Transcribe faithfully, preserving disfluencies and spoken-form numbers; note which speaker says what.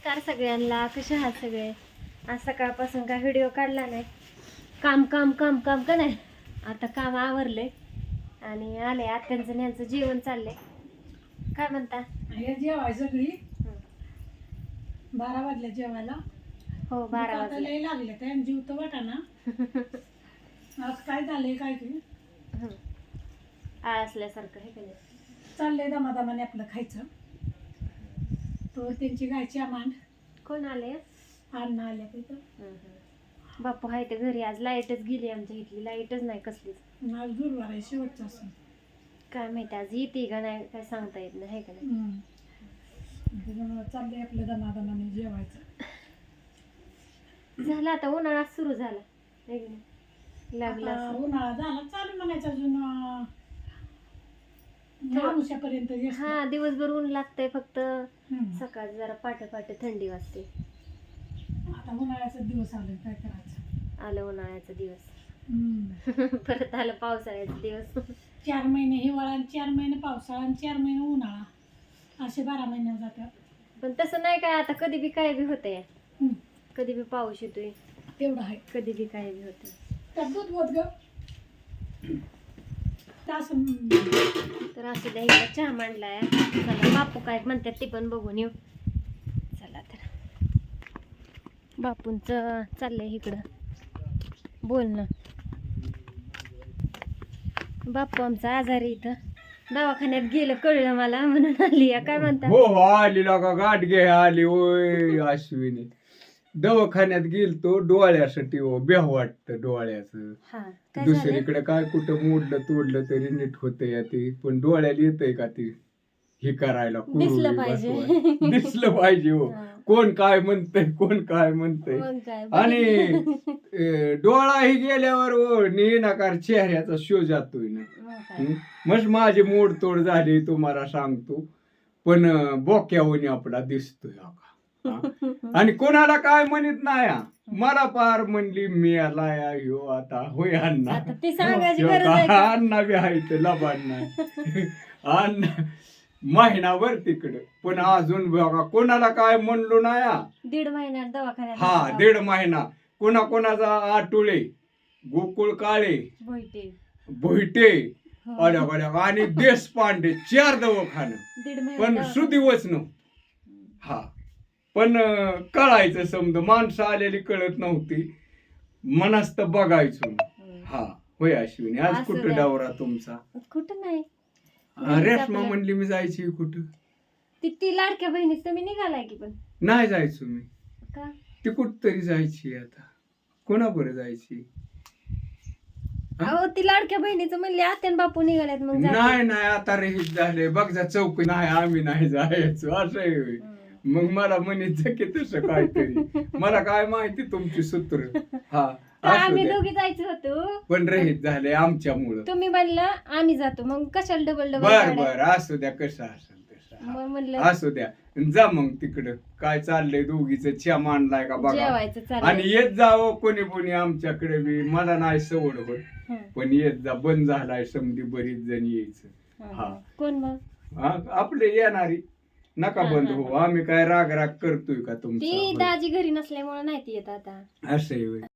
Speaker 1: नमस्कार सगळ्यांना, कसे आहात सगळे? आज सकाळपासून काय व्हिडिओ काढला नाही, काम काम काम काम का नाही. आता काम आवरले आणि आले आत्यांचं न्यांचं जेवण चाललंय. काय म्हणता?
Speaker 2: हे जेवायचं घरी बारा वाजल्या जेवायला.
Speaker 1: हो बारा वाजले.
Speaker 2: लय लागले तर जीव तर वाटाना. आज काय झालंय काय की
Speaker 1: आळसल्यासारखं हे केलं.
Speaker 2: चाललंय दमादमाने आपलं खायचं. तो त्यांची गायची आमांड.
Speaker 1: कोण आले?
Speaker 2: अण्णा आल्या तिथं.
Speaker 1: बापू आहे ते घरी. आज लाईटच गेली आमच्या इथली, लाईटच नाही कसलीच.
Speaker 2: आज गुरुवार आहे, शेवटचा असं
Speaker 1: काय माहिती आज येते का नाही काय सांगता येत नाही, है का नाही.
Speaker 2: त्याच्यामुळं चाललंय आपलं दमादमाने जेवायचं.
Speaker 1: झालं आता उन्हाळा सुरू झाला, है की नाही? लागला
Speaker 2: आता
Speaker 1: असं.
Speaker 2: उन्हाळा झाला चालू म्हणायचं अजून माणूसापर्यंत.
Speaker 1: हा दिवसभर ऊन लागतंय, फक्त सकाळी जरा पाटे पाटे थंडी वाजते.
Speaker 2: आता उन्हाळ्याचा दिवस आले, काय करायचं.
Speaker 1: आलं उन्हाळ्याचा दिवस,
Speaker 2: हम्म.
Speaker 1: परत आलं पावसाळ्याचा दिवस.
Speaker 2: चार महिने हिवाळा आणि चार महिने पावसाळा आणि चार महिने उन्हाळा, असे बारा महिने जातात.
Speaker 1: पण तसं नाही काय, आता कधी बी काय बी होतंय.
Speaker 2: हम्म.
Speaker 1: कधी बी पाऊस येतोय,
Speaker 2: तेवढं आहे.
Speaker 1: कधी बी काय बी होतंय.
Speaker 2: तर दूध होत ग असं.
Speaker 1: तर असू द्या, इकडे चहा मांडलाय. चला बापू काय म्हणतात ते पण बघून येऊ. चला तर बापूंचं चाललंय इकडं बोलणं. बापू आमचा आजारी इथं दवाखान्यात गेलं कळलं मला, म्हणून आली. काय म्हणता?
Speaker 3: हो हो आली का गाठ घे आली. ओय अश्विनी दवाखान्यात गेलतो डोळ्यासाठी. हो बेह वाटत डोळ्याचं.
Speaker 1: हा काय झालं?
Speaker 3: दुसरीकडे काय कुठं मोडलं तोडलं तरी नीट होतंय ते, पण डोळ्याला येतंय का ते हे करायला.
Speaker 1: दिसलं
Speaker 3: कुरुळी
Speaker 1: पाहिजे.
Speaker 3: बसवायला. दिसलं पाहिजे. हो
Speaker 1: हा.
Speaker 3: कोण काय म्हणतंय कोण काय म्हणतंय.
Speaker 1: मग काय
Speaker 3: आणि अं, डोळा ही गेल्यावर हो नकार चेहऱ्याचा शो जातोय ना.
Speaker 1: मग काय.
Speaker 3: मग माझी मोडतोड झाली तुम्हाला सांगतो, पण बोक्यावणी आपला दिसतोय हा. आणि कोणाला काय म्हणत नाही हा. मला पार म्हणली मी आलाय ह्यो आता होय अण्णा.
Speaker 1: आता ती सांगायची गरज आहे का?
Speaker 3: अण्णा बी आहे तर लबाड नाही. अण्णा महिनाभर तिकडे, पण अजून बघा कोणाला काय म्हणलो नाही हा.
Speaker 1: दीड महिन्यात दवाखान्यात
Speaker 3: हा
Speaker 1: दाखवलं.
Speaker 3: दीड महिना. कोणा कोणाचा आटुळे गोकुळ काळे
Speaker 1: भोईटे.
Speaker 3: भोईटे
Speaker 1: हो.
Speaker 3: अल्या अल्या आणि देशपांडे चार दवाखानं,
Speaker 1: दीड महिन्यात
Speaker 3: पण
Speaker 1: दवाखान्यात.
Speaker 3: सुदिवस न हा. पण अं, कळायचं समज माणसं आलेली कळत नव्हती, मनास्त बघायचो. हा होय अश्विनी. आज
Speaker 1: असं
Speaker 3: कुठं
Speaker 1: द्या.
Speaker 3: डावरा तुमचा?
Speaker 1: कुठं नाही.
Speaker 3: अं, रेश्मा म्हणली मी जायची कुठं.
Speaker 1: ती ती लाडक्या बहिणीच तुम्ही निघालाय की. पण
Speaker 3: नाही जायचो मी.
Speaker 1: का?
Speaker 3: ती कुठ तरी जायची. आता कोणाबरोबर जायची?
Speaker 1: अहो ती लाडक्या बहिणीचं म्हणले आत्यान बापू निघाल्यात, मग जाते.
Speaker 3: नाही नाही आता रहित झाले बघ जा चौकी. नाही आम्ही नाही जायचो असं आहे होय.
Speaker 1: हम्म.
Speaker 3: मग मला म्हणत की तसं काहीतरी. मला काय माहिती तुमची सूत्र. हा
Speaker 1: तर
Speaker 3: असू
Speaker 1: आम्ही
Speaker 3: द्या.
Speaker 1: दोघी जायचं होतो,
Speaker 3: पण रहित झाले आमच्यामुळं.
Speaker 1: तुम्ही म्हणलं आम्ही जातो, मग कशाला डबल डबल
Speaker 3: बर
Speaker 1: गाड्या?
Speaker 3: बर असू द्या कसं असेल तसं.
Speaker 1: मग
Speaker 3: हा.
Speaker 1: म्हणलं
Speaker 3: असू द्या जा मग तिकडं. काय चाललंय दोघीच च्या मांडलाय का बघा.
Speaker 1: जेवायचं
Speaker 3: आणि
Speaker 1: चाललंय.
Speaker 3: येत जावं कोणी कोणी आमच्याकडे बी. मला नाही सवड होत,
Speaker 1: हं.
Speaker 3: पण येत जा. बंद झालाय समधी बरीच जण यायचं.
Speaker 1: हं.
Speaker 3: हा.
Speaker 1: कोण मग?
Speaker 3: हा, आपले येणारी नका
Speaker 1: हा,
Speaker 3: बंद
Speaker 1: हा,
Speaker 3: हो.
Speaker 1: हा.
Speaker 3: आम्ही काय राग राग करतोय का
Speaker 1: ती
Speaker 3: तुमचा?
Speaker 1: दाजी घरी नसल्यामुळे नाही ती येत आता.
Speaker 3: असं आहे होय.